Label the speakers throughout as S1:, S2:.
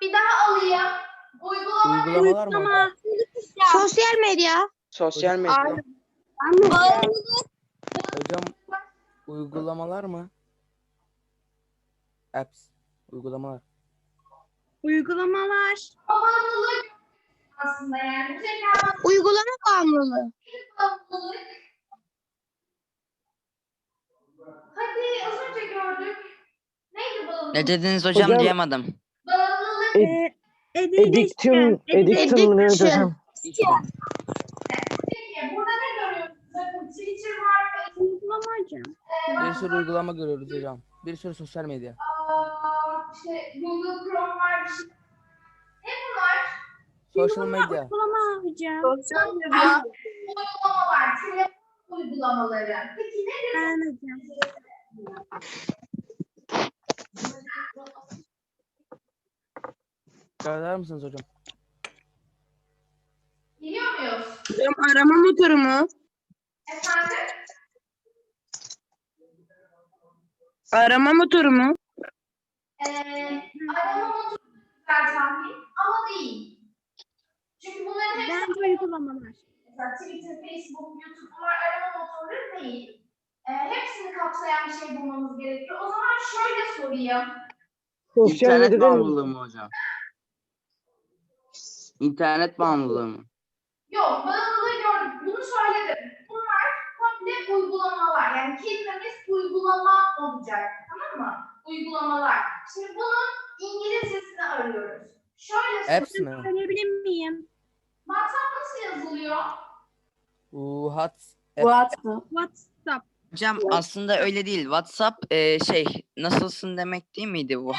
S1: Bir daha alayım.
S2: Uygulamalar mı hocam?
S3: Sosyal medya.
S4: Sosyal medya.
S2: Hocam uygulamalar mı? Apps. Uygulamalar.
S3: Uygulamalar.
S1: Bağımlılık aslında yani. Bu tekrar
S3: Uygulama bağımlılığı.
S1: bağımlılık. Hadi az önce gördük. Neydi bağımlılık?
S5: Ne dediniz hocam, duyamadım.
S1: Bağımlılık.
S4: Addiction neydi hocam?
S1: Peki burada ne görüyorsunuz? Bakın Twitter var ve
S3: Uygulama hocam.
S2: Bir sürü uygulama görüyoruz hocam. Bir sürü sosyal medya.
S1: işte Google Chrome var. Ne bunlar?
S2: Social medya.
S3: Uygulama hocam.
S1: Uygulama var. Telefon uygulamaları. Peki nedir?
S3: Ben hocam.
S2: Söyler misiniz hocam?
S1: Biliyor muyuz?
S3: Hocam arama motoru mu?
S1: Efendim?
S3: Arama motoru mu?
S1: Arama motoru güzel tahmin ama değil. Çünkü bunların hepsi
S3: Bence uygulamalar.
S1: mesela Twitter, Facebook, YouTube bunlar arama motorları değil. Hepsini kapsayan bir şey bulmamız gerekiyor. O zaman şöyle sorayım.
S5: İnternet bağımlılığı mı hocam? İnternet bağımlılığı mı?
S1: Yok, bağımlılığı gördük. Bunu söyledim. Bunlar komple uygulamalar. Yani kelimemiz uygulama olacak. Tamam mı? Uygulamalar. Şimdi bunun İngilizcesini arıyoruz. Şöyle
S2: Apps mi?
S3: Söyleyebilir miyim?
S1: WhatsApp nasıl yazılıyor?
S3: WhatsApp.
S5: Hocam aslında öyle değil. WhatsApp nasılsın demek değil miydi bu?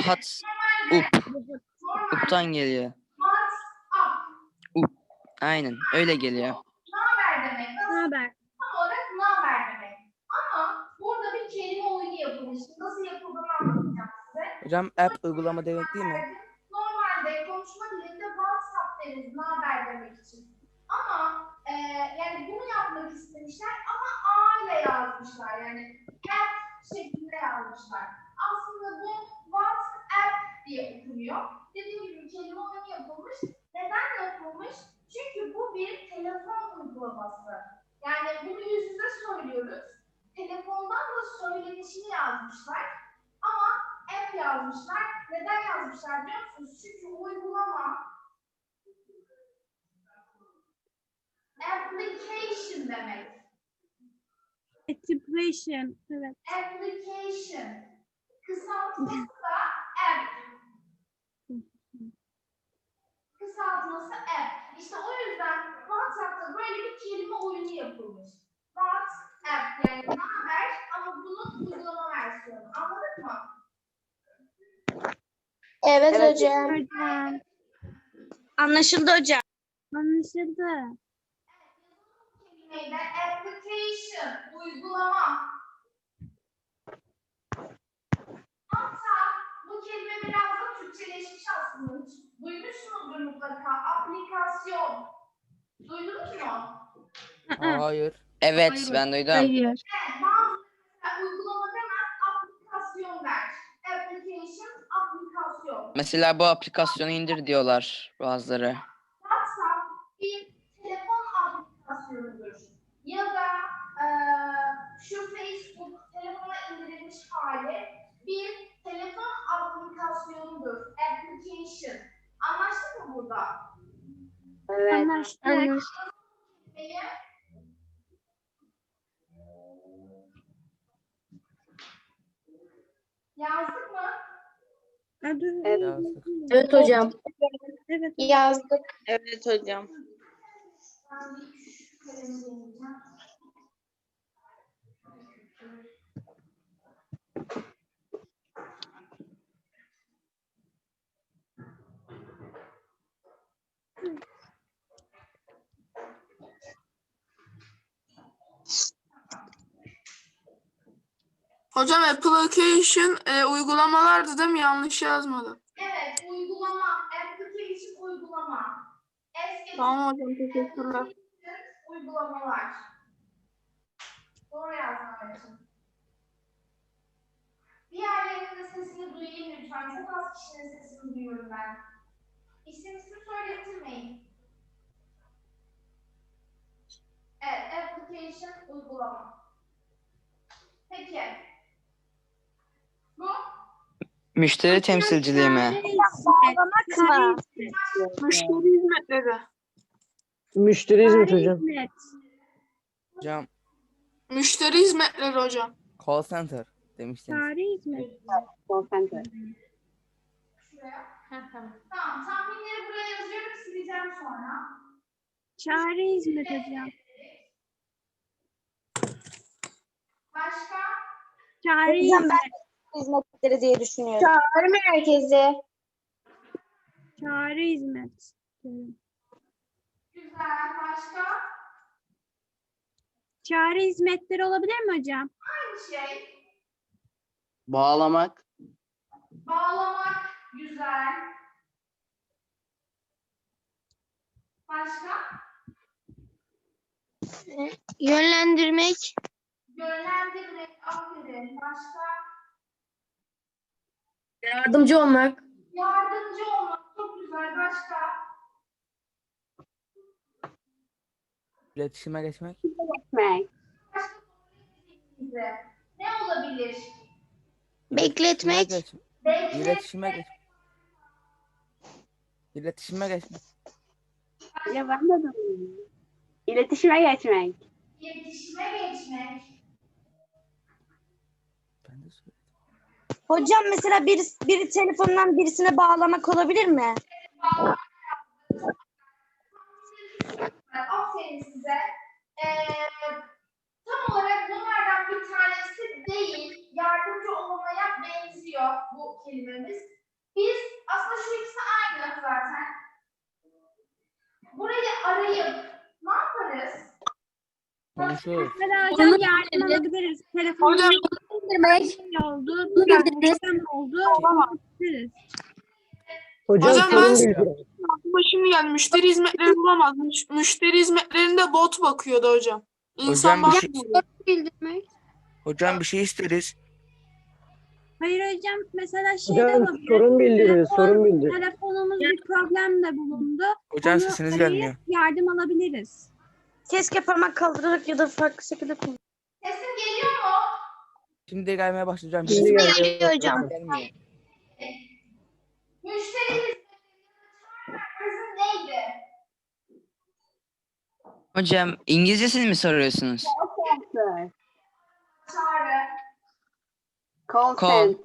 S5: Up'tan geliyor.
S1: WhatsApp.
S5: Aynen öyle geliyor.
S1: Naber demek.
S3: Ne
S1: Nasıl?
S3: haber?
S1: Tam olarak naber demek. Ama burada bir kelime oyunu yapılmış. Nasıl yapıldığını anlatacağım size.
S2: Hocam app uygulama demek değil mi?
S1: Normalde konuşma dilinde WhatsApp deriz naber demek için. Ama yani bunu yapmak istemişler ama A ile yazmışlar. Yani app şeklinde yazmışlar. Aslında bu WhatsApp diye okunuyor. Dediğim gibi kelime oyunu yapılmış. Neden yapılmış? Çünkü bu bir telefon uygulaması. Yani bunu yüz yüze söylüyoruz. Telefondan da söylenişini yazmışlar. Ama app yazmışlar. Neden yazmışlar biliyor musunuz? Çünkü uygulama application demek.
S3: Application. Evet.
S1: Application. Kısaltması da app. Kısaltması app. İşte o yüzden WhatsApp'ta böyle bir kelime oyunu yapılmış. WhatsApp yani ne haber ama bunun uygulama versiyonu. Anladık mı?
S3: Evet hocam. Anlaşıldı hocam. Anlaşıldı.
S1: Kelimeyle application, uygulama. Hatta bu kelime biraz da Türkçeleşmiş aslında. Hiç duymuşsunuzdur mutlaka. Aplikasyon. Duydunuz mu?
S2: Hayır.
S5: Evet, ben duydum.
S3: Hayır.
S1: Evet, bazı uygulama demez, aplikasyon der. Application, aplikasyon.
S5: Mesela bu aplikasyonu indir diyorlar bazıları.
S1: WhatsApp bir telefon aplikasyonudur. Ya da şu Facebook telefona indirilmiş hali bir telefon aplikasyonundur. Application. Anlaştık mı burada?
S3: Anlaştık.
S1: Peki. Yazdık mı?
S2: Yazdık.
S3: Evet hocam. Evet.
S6: Yazdık.
S3: Evet hocam.
S1: Ben bir şu kalemi deneyeceğim.
S6: Hocam application uygulamalardı değil mi? Yanlış yazmadım.
S1: Evet, uygulama, application uygulama.
S6: Tamam hocam, teşekkürler.
S1: Uygulamalar. Doğru yazmam için. Diğerlerinin de sesini duyayım lütfen. Çok az kişinin sesini duyuyorum ben. İsim söyletirmeyin. Evet, application uygulama. Peki. Bu
S5: Müşteri temsilciliği mi?
S3: Bağlamak mı?
S6: Müşteri hizmetleri.
S4: Müşteri hizmet hocam.
S3: Hizmet.
S2: Hocam
S6: Müşteri hizmetleri hocam.
S2: call center demiştiniz.
S3: Çağrı hizmet.
S1: şuraya. Tamam, tahminleri buraya yazıyorum, sileceğim sonra.
S3: Çağrı hizmet hocam.
S1: Başka?
S3: Çağrı hizmet.
S7: hizmetleri diye düşünüyorum.
S1: Çağrı merkezi.
S3: Çağrı hizmet.
S1: Güzel. Başka?
S3: Çağrı hizmetleri olabilir mi hocam?
S1: Aynı şey.
S4: Bağlamak.
S1: Bağlamak. Güzel. Başka?
S3: Yönlendirmek.
S1: Yönlendirmek. Aferin. Başka?
S7: Yardımcı olmak.
S1: Yardımcı olmak. Çok güzel. Başka?
S2: İletişime geçmek.
S1: Başka size. Ne olabilir?
S3: Bekletmek.
S1: Bekle.
S2: İletişime geç. İletişime geçmek.
S3: Ya ben de İletişime geçmek.
S1: İletişime geçmek.
S2: Ben de söyledim.
S7: Hocam mesela biri telefondan birisine bağlamak olabilir mi?
S1: Aferin size. Tam olarak bunlardan bir tanesi değil, yardımcı olmaya benziyor bu kelimemiz. Biz aslında şu ikisi aynı zaten. Burayı arayıp ne yaparız?
S2: Konuşuyoruz.
S3: Mesela hocam yardım alabiliriz. Telefonun
S6: Hocam
S3: oldu. Problem oldu. Alabiliriz.
S4: Hocam
S6: Hocam
S4: sorun
S6: ben-
S4: bildirin.
S6: aklıma şimdi geldi. Müşteri hizmetleri bulamaz. Müşteri hizmetlerinde bot bakıyordu hocam. İnsan
S5: Hocam bir şey-
S6: bakmıyor.
S3: Bildirmek.
S5: Hocam bir şey isteriz.
S3: Hayır hocam mesela şey de
S4: Hocam
S3: olabilir.
S4: sorun bildirin. Sorun bildirin.
S3: Telefonumuz bir problemle bulundu.
S5: Hocam
S3: Onu
S5: sesiniz
S3: arayıp
S5: gelmiyor.
S3: yardım alabiliriz.
S7: Keşke parmak kaldırarak ya da farklı şekilde kullan.
S1: Sesim geliyor mu?
S2: Şimdi gelmeye başlayacağım.
S4: Şimdi geliyor
S7: hocam.
S2: Gelmiyor.
S1: Müşteri hizmetlerinin merkezi neydi?
S5: Hocam İngilizcesini mi soruyorsunuz?
S1: Çağrı.
S5: Call.
S3: Call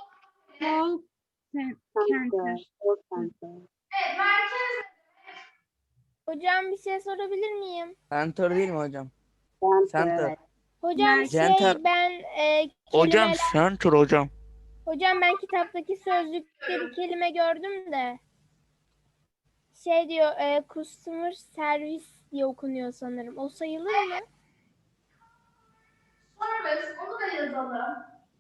S3: center.
S1: Evet, merkez.
S8: Hocam bir şey sorabilir miyim?
S2: Center değil mi hocam? Center.
S8: Hocam
S2: Center.
S8: ben
S5: Hocam
S8: kelimeler...
S5: center hocam.
S8: Hocam ben kitaptaki sözlükte bir kelime gördüm de. Şey diyor, customer service diye okunuyor sanırım. O sayılır mı?
S1: Service, onu da yazalım.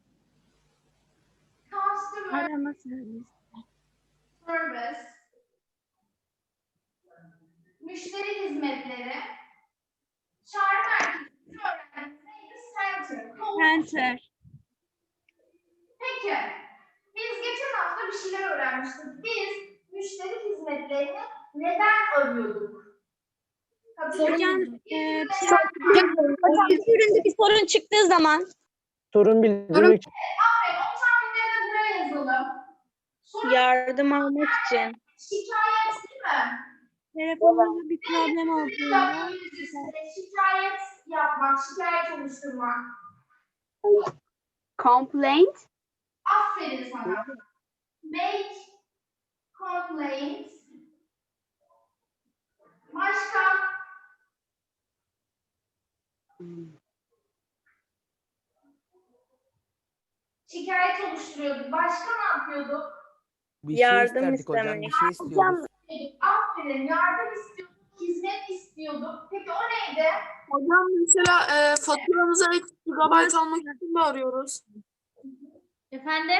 S1: Customer
S3: Arama servis.
S1: service. Müşteri hizmetleri. Çağrı merkezi öğrenci neydi? Center.
S3: Center.
S1: Peki. Biz geçen hafta bir şeyler öğrenmiştik. Biz müşteri hizmetlerini neden arıyorduk?
S3: Hocam
S7: Hocam bir üründe bir sorun çıktığı zaman
S4: Sorun bildirmek.
S1: Aferin, o tahminleri de buraya yazalım. Sonra
S3: yardım almak için.
S1: şikayet değil mi?
S3: Telefonumuzda bir problem olduğunda
S1: Şikayet yapmak, şikayet oluşturmak.
S3: complaint.
S1: Aferin sana. Make complaint. Başka? Şikayet oluşturuyorduk. Başka ne yapıyorduk?
S2: Bir şey isterdik hocam. Bir şey istiyoruz.
S1: Aferin, yardım istiyorduk, hizmet istiyorduk. Peki o neydi?
S6: Hocam mesela faturamıza ek gigabyte almak için de arıyoruz.
S1: Efendim?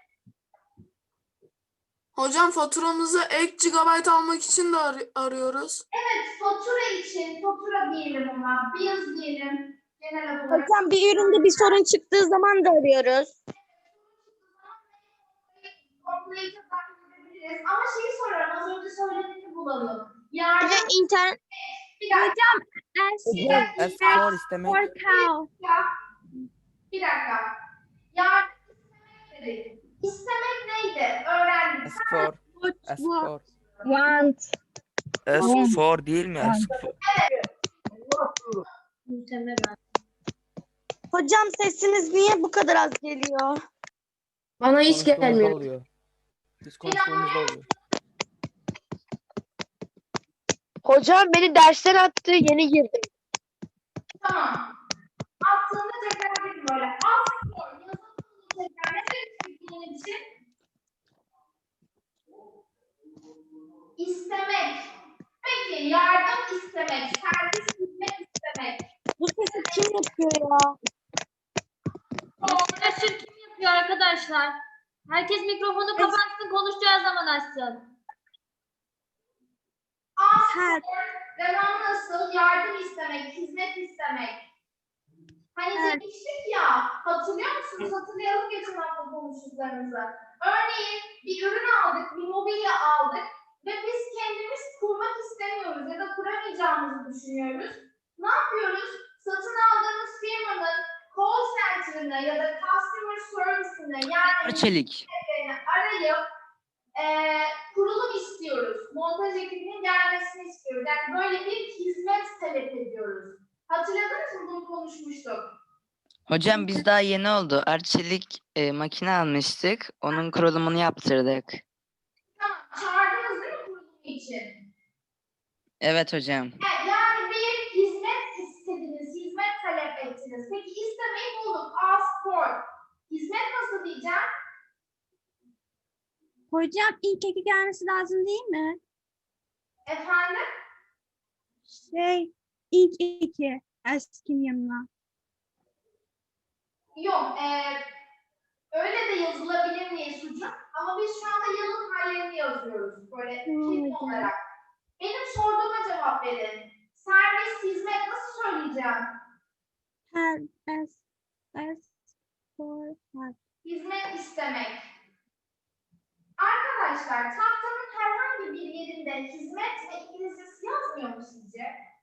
S6: Hocam faturamıza ek gigabyte almak için de arıyoruz.
S1: Evet, fatura için, fatura diyelim ona, bills diyelim. Genel olarak.
S7: hocam bir üründe bir sorun çıktığı zaman da arıyoruz.
S1: Complaint'e takip edebiliriz. yapabiliriz. Ama şeyi soruyorum. Az önce söylediğini bulalım. Yardım
S3: İnternet.
S1: bir dakika.
S4: Hocam
S2: Ask for istemek.
S1: Bir dakika. Yardım istemek dedik. İstemek neydi? Öğrendik.
S2: Ask for. Ask for.
S7: Want.
S2: Ask for değil mi? Ask for.
S7: Hocam sesiniz niye bu kadar az geliyor?
S9: Bana hiç
S2: Konuştuğumuzda
S9: gelmiyor.
S2: oluyor. Biz konuştuğumuzda oluyor.
S9: Hocam beni dersten attı. Yeni girdim.
S1: Tamam. Attığında tekrar edin böyle. Ask for. Yazın bunu tekrar. Ne demek bunun için? İstemek. Peki yardım istemek. Servis hizmet istemek.
S7: Bu sesi kim yapıyor ya?
S10: Arkadaşlar kim yapıyor arkadaşlar? Herkes mikrofonu kapatsın, konuşacağı zaman açsın.
S1: Ask
S3: Help.
S1: for. Devam nasıl? Yardım istemek. Hizmet istemek. Hani demiştik ya, hatırlıyor musunuz? Hatırlayalım geçen hafta konuştuklarımızı. Örneğin bir ürün aldık, bir mobilya aldık ve biz kendimiz kurmak istemiyoruz ya da kuramayacağımızı düşünüyoruz. Ne yapıyoruz? Satın aldığımız firmanın call center'ını ya da customer service'ini yani
S5: Arçelik.
S1: arayıp kurulum istiyoruz. Montaj ekibinin gelmesini istiyoruz. Yani böyle bir hizmet talep ediyoruz. Hatırladınız mı, bunu konuşmuştuk?
S5: Hocam biz daha yeni oldu. Arçelik makine almıştık. Onun kurulumunu yaptırdık.
S1: Tamam, çağırdınız değil mi kurulum için?
S5: Evet hocam.
S1: Yani bir hizmet istediniz, hizmet talep ettiniz. Peki istemeyi bulduk, ask for. Hizmet nasıl diyeceğim?
S3: Hocam ilk eki gelmesi lazım değil mi?
S1: Efendim?
S3: İlk eki. Ask'in yanına.
S1: Yok, öyle de yazılabilir diye sucuk. Ama biz şu anda yılın hallerini yazıyoruz. Böyle kelime olarak. Benim sorduğuma cevap verin. Servis, hizmet nasıl söyleyeceğim?
S3: Help. Ask for help.
S1: Hizmet istemek. Arkadaşlar tahtanın herhangi bir yerinde hizmet ve İngilizcesi yazmıyor mu sizce?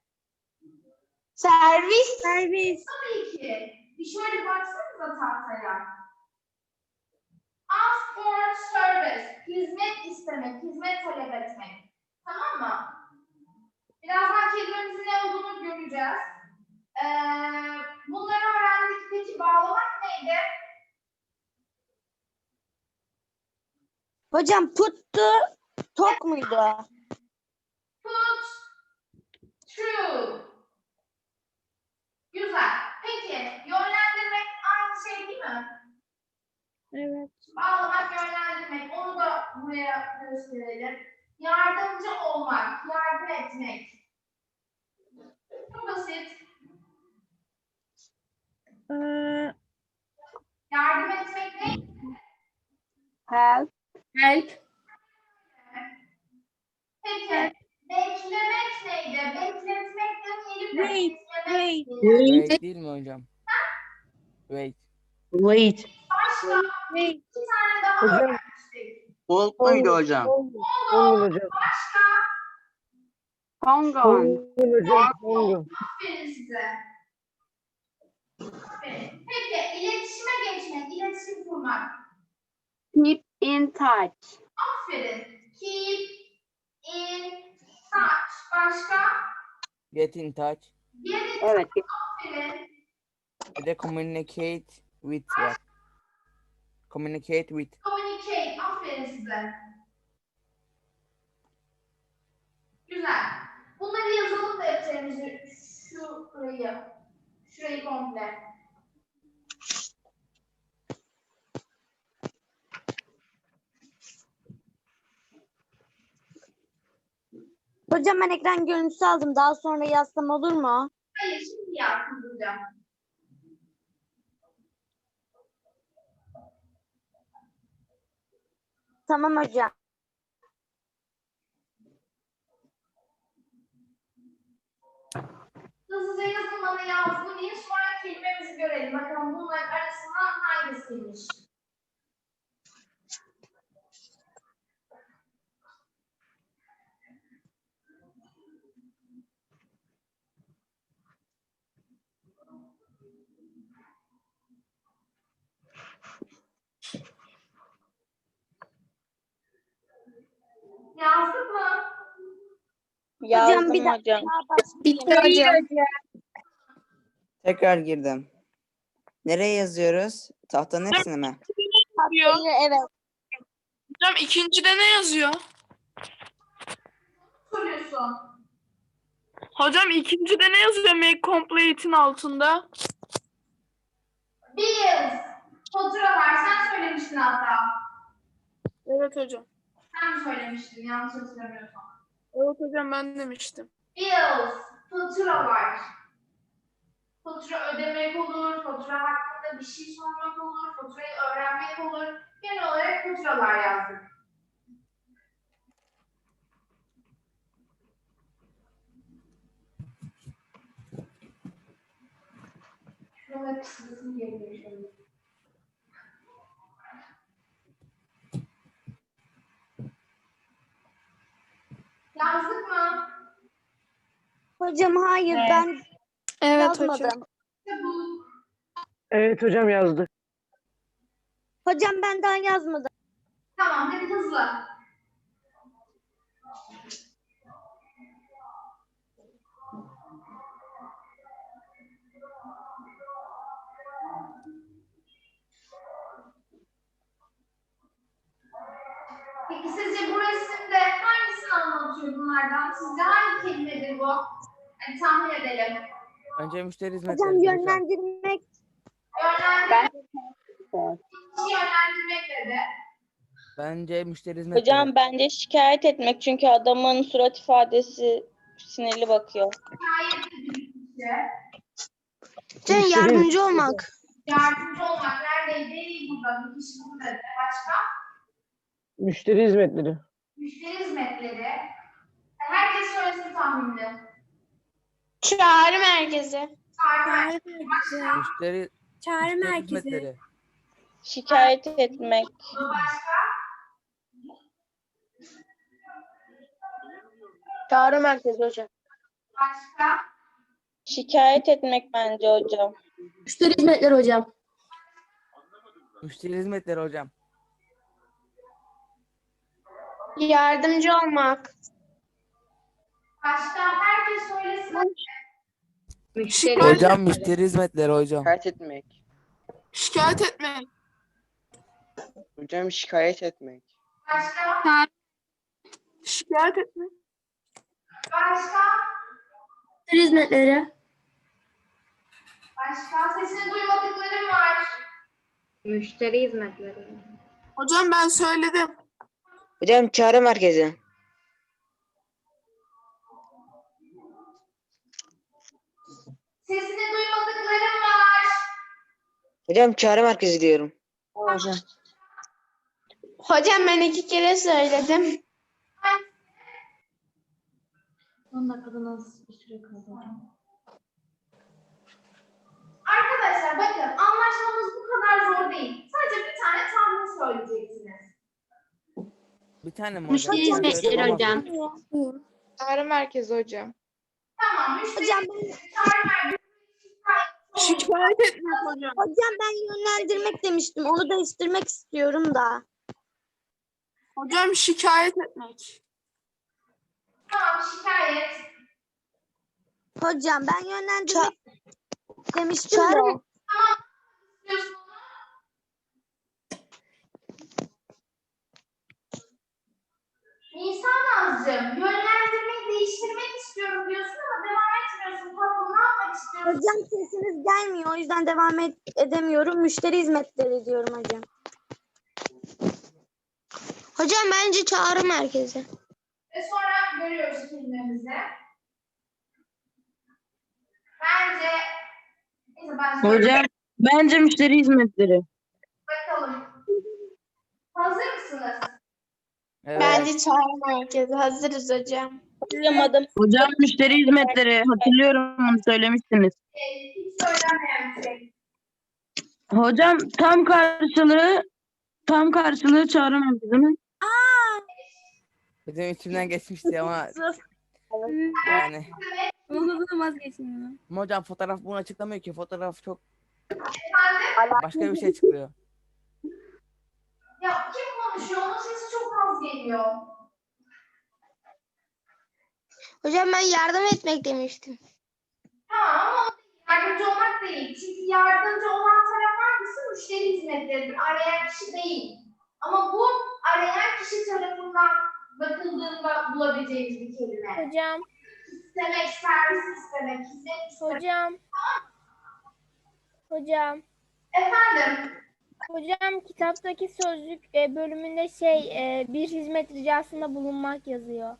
S7: Servis.
S3: Servis.
S1: Tabii ki. Bir şöyle baksanıza tahtaya. Ask for service. Hizmet istemek, hizmet talep etmek. Tamam mı? Birazdan kelimemizin ne olduğunu göreceğiz. Bunları öğrendik. Peki bağlamak neydi?
S7: Hocam puttu. Tok muydu?
S1: Put, true. Güzel. Peki, yönlendirmek aynı şey değil mi?
S3: Evet.
S1: Bağlamak, yönlendirmek. Onu da buraya gösterelim. Yardımcı olmak, yardım etmek. Çok basit. Yardım etmek ne?
S7: Help.
S9: Help.
S1: Peki, beklemek neydi? Bekletmek demeyelim de
S3: Wait,
S1: beklemek.
S2: Wait değil mi hocam? Wait.
S4: Wait.
S1: Başka
S3: Wait.
S1: bir tane daha
S4: Hocam.
S1: öğrenmiştik.
S5: Hold muydu hocam?
S4: Hold hocam.
S1: Başka,
S7: Hong
S4: Hold hocam. Hold.
S1: aferin size. Aferin. Peki, iletişime geçmek, iletişim kurmak.
S7: Keep in touch.
S1: Aferin. Keep in touch. Başka?
S2: Get in touch.
S1: Get in
S7: Evet.
S1: aferin.
S2: Bir de communicate with var. Communicate with.
S1: Communicate. Aferin size. Güzel. Bunları yazalım defterimizi. Şurayı komple.
S7: Hocam ben ekran görüntüsü aldım. Daha sonra yazsam olur mu?
S1: Hayır, şimdi yazsın hocam.
S7: Tamam hocam.
S1: Hızlıca yazın, bana yazmayın. Sonra kelimemizi görelim. Bakalım bunların arasından hangisiymiş? Yazdık mı?
S7: Hocam bir dakika daha
S6: Bitti hocam.
S5: Tekrar girdim. Nereye yazıyoruz? Tahtanın hepsini mi?
S6: Diyor.
S7: Evet.
S6: Hocam ikincide ne yazıyor?
S1: Soruyorsun.
S6: Hocam ikincide ne yazıyor make complete'in altında?
S1: Bills. Faturalar. Sen söylemiştin hatta.
S6: Evet hocam.
S1: Sen mi söylemiştin? Yanlış hatırlamıyorsam.
S6: Evet hocam ben demiştim.
S1: Bills. Faturalar. Fatura ödemek olur, fatura hakkında bir şey sormak olur, faturayı öğrenmek olur. Genel olarak faturalar yazdık. Şurada kısmını geliyor. Yazdık mı?
S7: Hocam hayır ben
S6: Evet hocam.
S7: yazmadım.
S1: İşte bu.
S4: Evet hocam yazdık.
S7: Hocam ben daha yazmadım.
S1: Tamam, hadi hızlı. Peki sizce bu resimde hangisini anlatıyor bunlardan? Sizce hangi kelimedir bu? Hani tahmin edelim.
S2: Bence müşteri
S7: Hocam
S2: hizmetleri hocam.
S7: yönlendirmek.
S1: Yönlendirmek dedi.
S2: Bence müşteri hizmetleri.
S11: Hocam bence şikayet etmek çünkü adamın surat ifadesi sinirli bakıyor.
S1: Hikayet edilmişti.
S7: Hocam yardımcı olmak.
S1: Yardımcı olmak neredeydi? Burada. Bir kişi burada dedi. Başka?
S4: Müşteri hizmetleri.
S1: Müşteri hizmetleri. Herkes söylesin tahminini.
S7: Çağrı merkezi.
S1: Çağrı
S2: Müşteri hizmetleri.
S11: Şikayet etmek.
S1: başka?
S9: Çağrı merkezi hocam.
S1: Başka?
S11: Şikayet etmek bence hocam.
S10: Müşteri hizmetleri hocam.
S2: Müşteri hizmetleri hocam.
S7: Yardımcı olmak.
S1: Başka? Herkes söylesin.
S2: Hocam müşteri hizmetleri hocam.
S12: Şikayet etmek.
S6: Şikayet etmek.
S12: Hocam şikayet etmek.
S1: Başka?
S6: Şikayet etmek.
S1: Başka?
S10: Müşteri hizmetleri.
S1: Başka? Sesini duymadıklarım var.
S10: Müşteri hizmetleri.
S6: Hocam ben söyledim.
S12: Hocam çağrı merkezi.
S1: Sesini duymadıklarım var.
S12: Hocam çağrı merkezi diyorum.
S4: Hocam.
S7: Hocam ben 2 kere söyledim.
S10: 10 dakikada nasıl bir süre kaldı?
S1: Arkadaşlar bakın anlaşmamız bu kadar zor değil. Sadece bir tane tahmin söyleyeceksiniz.
S2: Bir tane mi
S10: Müşteri
S2: hocam?
S10: hizmetleri hocam.
S9: Çağrı merkezi hocam.
S1: Tamam. Müşteri
S7: Hocam
S1: çağrı merkezi.
S6: Şikayet etmek hocam.
S7: Hocam ben yönlendirmek demiştim. Onu değiştirmek istiyorum da.
S6: Hocam şikayet etmek.
S1: Tamam şikayet.
S7: Hocam ben yönlendirmek demiştim de.
S1: Diyorsun onu. Nisan Nazcığım, yönlendirmeyi değiştirmek istiyorum diyorsun ama devam etmiyorsun. Tatlım ne yapmak istiyorsun?
S7: Hocam sesiniz gelmiyor. O yüzden devam edemiyorum. Müşteri hizmetleri diyorum hocam. Hocam bence çağrı merkezi.
S1: Ve sonra görüyoruz kelimemizi. Bence... Neyse ben söyleyeyim.
S4: Bence müşteri hizmetleri.
S1: Bakalım. Hazır mısınız?
S2: Evet.
S7: çağrı merkezi. Hazırız hocam.
S11: Hatırlamadım.
S4: Hocam müşteri hizmetleri. Hatırlıyorum bunu söylemiştiniz.
S1: Hiç söylenmeyen bir şey.
S4: Hocam tam karşılığı çağrı merkezi mi?
S2: Benim içimden geçmişti ama yani.
S3: Onu vazgeçmiyorum.
S2: Ama hocam fotoğraf bunu açıklamıyor ki. Fotoğraf çok
S1: Efendim?
S2: başka bir şey çıkıyor.
S1: geliyor.
S7: Hocam ben yardım etmek demiştim.
S1: Tamam ama yardımcı olmak değil. Çünkü yardımcı olan taraf hangisi? Müşteri hizmetleridir. Arayan kişi değil. Ama bu arayan kişi tarafından bakıldığında bulabileceğimiz bir kelime.
S8: Hocam,
S1: İstemek, servis istemek, hizmet istemek.
S8: hocam,
S1: Efendim?
S8: hocam kitaptaki sözlük bölümünde bir hizmet ricasında bulunmak yazıyor.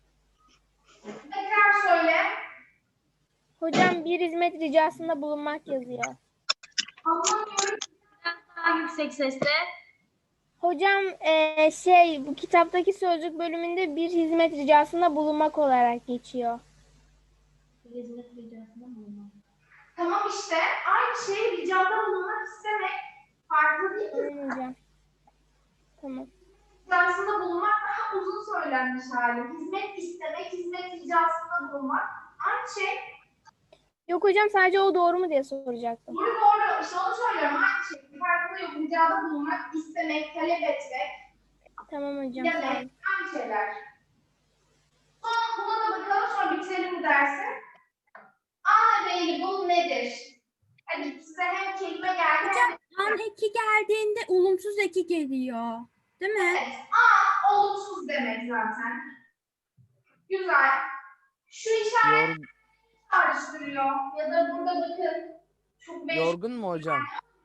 S1: Tekrar söyle.
S8: Hocam bir hizmet ricasında bulunmak yazıyor.
S1: Anlamıyorum.
S10: Daha yüksek sesle.
S8: Hocam bu kitaptaki sözlük bölümünde bir hizmet ricasında bulunmak olarak geçiyor.
S10: Hizmet ricasında bulunmak.
S1: Tamam işte. Aynı şey ricada bulunmak istemek. Farklı değil mi?
S8: Tamam hocam. Tamam.
S1: Ricasında bulunmak daha uzun söylenmiş hali. Hizmet istemek, hizmet ricasında bulunmak. Aynı şey.
S8: Yok hocam, sadece o doğru mu diye soracaktım.
S1: Doğru doğru. İşte onu söylüyorum. Aynı şey. Farklı yok. Ricada bulunmak, istemek, talep etmek,
S8: Tamam hocam.
S1: demek. Aynı şeyler. Sonra buna da bakalım. Sonra bitirelim bu dersi. Unavailable nedir? Hadi size hem kelime geldi hem de...
S3: An eki geldiğinde olumsuz eki geliyor. Değil mi?
S1: Evet. Olumsuz demek zaten. Güzel. Şu işaret
S2: Yor-
S1: çağrıştırıyor. Ya da burada bakın. Çok meşhur.
S2: yorgun mu hocam?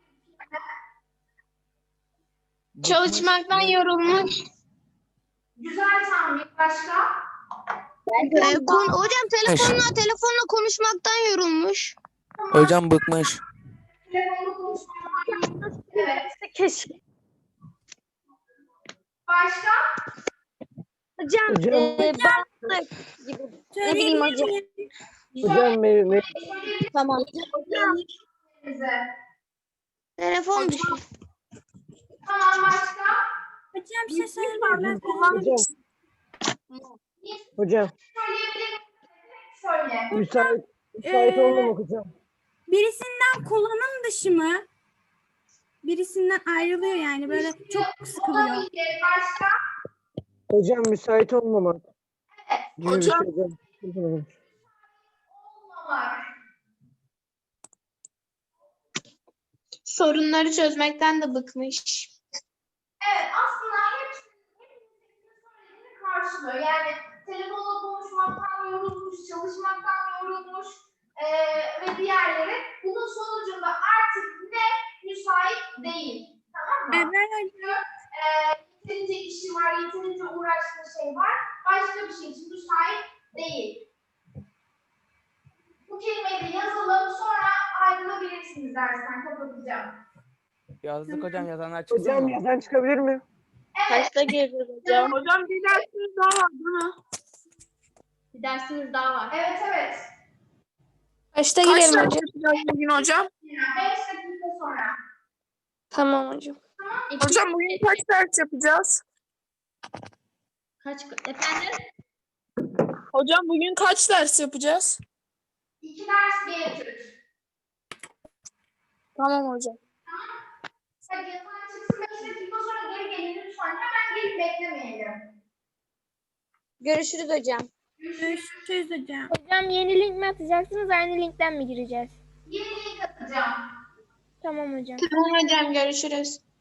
S9: Çalışmaktan yorulmuş.
S1: Güzel tahmin. Başka?
S7: Hocam telefonla konuşmaktan yorulmuş.
S2: Hocam bıkmış.
S1: Telefonda konuşmak. Evet.
S7: Keşke.
S1: Başka?
S7: Hocam, ne bileyim hocam.
S1: Hocam
S7: Tamam.
S1: bize.
S7: Telefon bir şey.
S1: Tamam başka?
S3: Hocam bir şey söyleyeyim.
S12: Hocam
S1: Söyleyebilir misin? Söyle.
S12: müsait olmamak hocam.
S3: Birisinden kullanım dışı mı? Birisinden ayrılıyor yani böyle çok sıkılıyor.
S1: Olabilir. Başka?
S12: Hocam müsait olmamak. Gibi bir
S6: Hocam.
S12: şey hocam.
S1: Olmamak.
S9: Sorunları çözmekten de bıkmış.
S1: Evet, aslında hepsinin söylediğini karşılıyor. Yani telefonla konuşmaktan yorulmuş, çalışmaktan yorulmuş ve diğerleri. Bunun sonucunda artık ne müsait değil. Tamam mı?
S3: Evet.
S1: Çünkü yeterince işi var, yeterince uğraştığı şey var. Başka bir şey için müsait değil. Bu kelimeyi de yazalım, sonra ayrılabilirsiniz dersten, kapatacağım.
S2: Yazdık hocam, yazanlar çıksın
S12: Hocam
S2: mı?
S12: yazan çıkabilir mi?
S1: Evet.
S11: Kaçta gireceğiz hocam?
S6: Hocam bir dersiniz daha var değil mi?
S10: Bir dersiniz daha var.
S1: Evet, evet.
S9: Kaçta
S6: Kaç
S9: girelim
S6: ders
S9: hocam?
S6: yapacağız bugün hocam?
S1: 5 dakika sonra.
S9: Tamam hocam.
S6: Hocam bugün kaç ders yapacağız?
S10: Efendim?
S6: Hocam bugün kaç ders yapacağız?
S1: 2 ders bir etüt.
S6: Tamam hocam.
S1: Hadi yatağa çıksın 5 dakika sonra geri gelin lütfen. Hemen gelip beklemeyelim.
S7: Görüşürüz hocam.
S3: Görüşürüz hocam.
S8: Hocam yeni link mi atacaksınız, aynı linkten mi gireceğiz?
S1: Yeni link atacağım.
S8: Tamam hocam.
S9: Tamam hocam görüşürüz.